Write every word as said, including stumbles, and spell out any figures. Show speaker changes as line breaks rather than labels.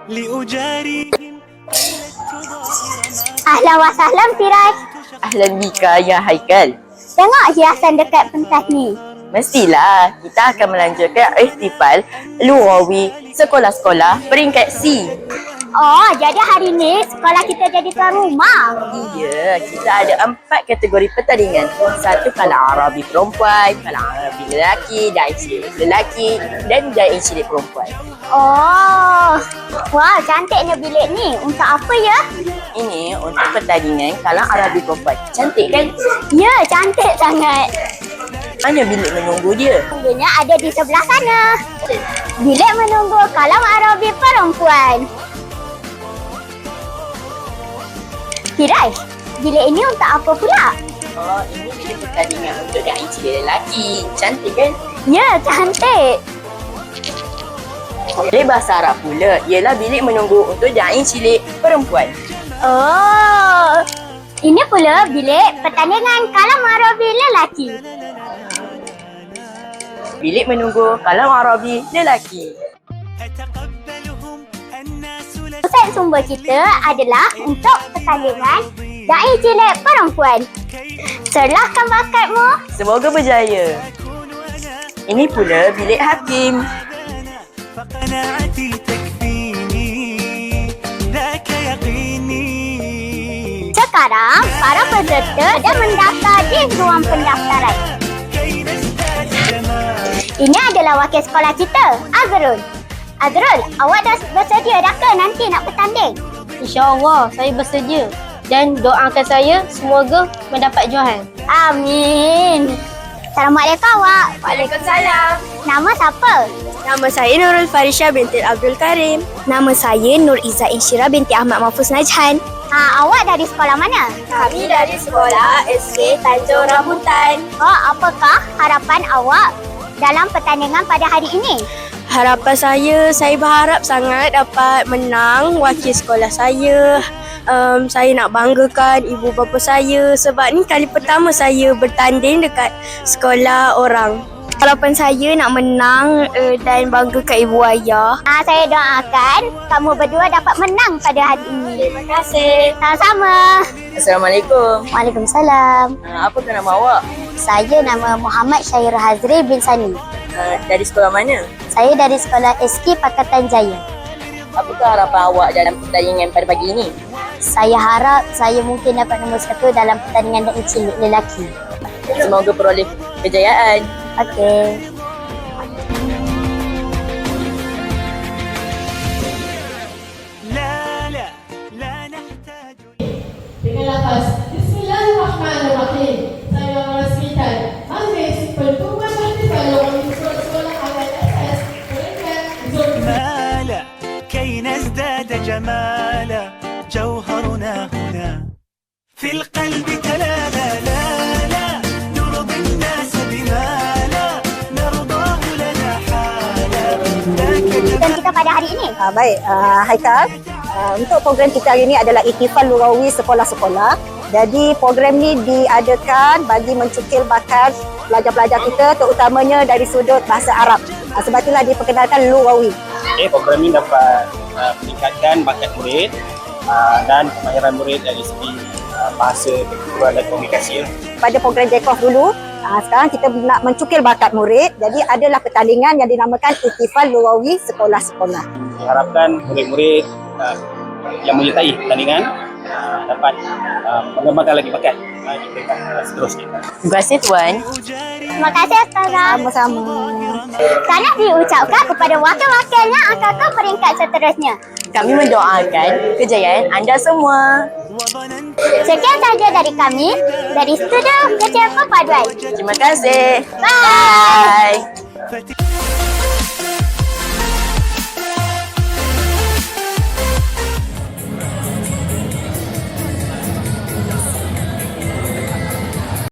Ahlan wa sahlan Firaj.
Ahlan bika ya Haikal.
Tengok hiasan dekat pentas ni.
Mestilah kita akan melanjutkan ihtifal luawi sekolah-sekolah peringkat C.
Oh, jadi hari ni sekolah kita jadi tuan rumah.
Ya, kita ada empat kategori pertandingan. Satu kalang Arabi perempuan, kalang Arabi lelaki, da'i cilik lelaki dan da'i cilik perempuan.
Oh, wah cantiknya bilik ni. Untuk apa ya?
Ini untuk pertandingan kalang Arabi perempuan. Cantik kan?
Ya, cantik sangat.
Mana bilik menunggu dia?
Tunggunya ada di sebelah sana. Bilik menunggu kalang Arabi perempuan. Firaj, bilik ini untuk apa pula?
Oh, ini bilik pertandingan untuk da'i cilik lelaki. Cantik kan?
Ya, cantik.
Bilik bahasa Arab pula ialah bilik menunggu untuk da'i cilik perempuan.
Oh, ini pula bilik pertandingan kalam Arabi lelaki.
Bilik menunggu kalam Arabi lelaki.
Pusat sumber kita adalah untuk pertandingan da'i cilik perempuan. Serlahkan bakatmu.
Semoga berjaya. Ini pula bilik hakim.
Sekarang, para peserta dah mendaftar di ruang pendaftaran. Ini adalah wakil sekolah kita, Azrul. Azrul, awak dah bersedia dah ke nanti nak bertanding?
InsyaAllah, saya bersedia. Dan doakan saya semoga mendapat juahan.
Amin. Assalamualaikum awak.
Waalaikumsalam.
Nama siapa?
Nama saya Nurul Farisha binti Abdul Karim. Nama saya Nur Izzah Insyirah binti Ahmad Mahfuz Najhan.
Ha, awak dari sekolah mana?
Kami dari sekolah S K Tanjung Rambutan.
Oh, apakah harapan awak dalam pertandingan pada hari ini?
Harapan saya, saya berharap sangat dapat menang wakil sekolah saya. Um, saya nak banggakan ibu bapa saya sebab ni kali pertama saya bertanding dekat sekolah orang. Harapan saya nak menang uh, dan banggakan ibu ayah.
Ha, saya doakan kamu berdua dapat menang pada hari ini.
Terima kasih.
Sama-sama.
Assalamualaikum.
Waalaikumsalam.
Uh, apakah nama awak?
Saya nama Muhammad Syahir Hazri bin Sani.
Uh, dari sekolah mana?
Saya dari sekolah S K Pakatan Jaya.
Apakah harapan awak dalam pertandingan pada pagi ini?
Saya harap saya mungkin dapat nombor satu dalam pertandingan da'i cilik lelaki.
Semoga peroleh kejayaan.
Okey.
Dengan lafaz Bismillahirrahmanirrahim, saya merasmikan Majlis Pertubuhan Ihtifal Luawi Sekolah Awal Asas peringkat zon.
مالا كي نزداد جمالا جوهرنا هنا في القلب تلالا لا لا نرضي الناس بما لا نرضاه لنا حالا ذاك
Dan kita pada hari ini.
Uh, baik, uh, Haikal. Uh, untuk program kita hari ini adalah Ihtifal Luawi sekolah-sekolah. Jadi program ni diadakan bagi mencukil bakat pelajar-pelajar kita terutamanya dari sudut bahasa Arab. Uh, sebab itulah diperkenalkan Luawi.
Okay, program ini dapat uh, meningkatkan bakat murid uh, dan kemahiran murid dari segi uh, bahasa, ketuturan dan komunikasi.
Pada program J K O F dulu, uh, sekarang kita nak mencukil bakat murid. Jadi adalah pertandingan yang dinamakan Ihtifal Luawi sekolah-sekolah.
Diharapkan murid-murid uh, yang menyertai pertandingan uh, dapat uh, mengembangkan lagi bakat uh, di peringkat uh, seterusnya.
Terima kasih Tuan.
Terima kasih Ustazah.
Sama-sama.
Sekarang diucapkan kepada wakil-wakilnya akan ke peringkat seterusnya.
Kami mendoakan kejayaan anda semua.
Sekian sahaja dari kami dari Studio Kecil Perpaduan.
Terima kasih.
Bye.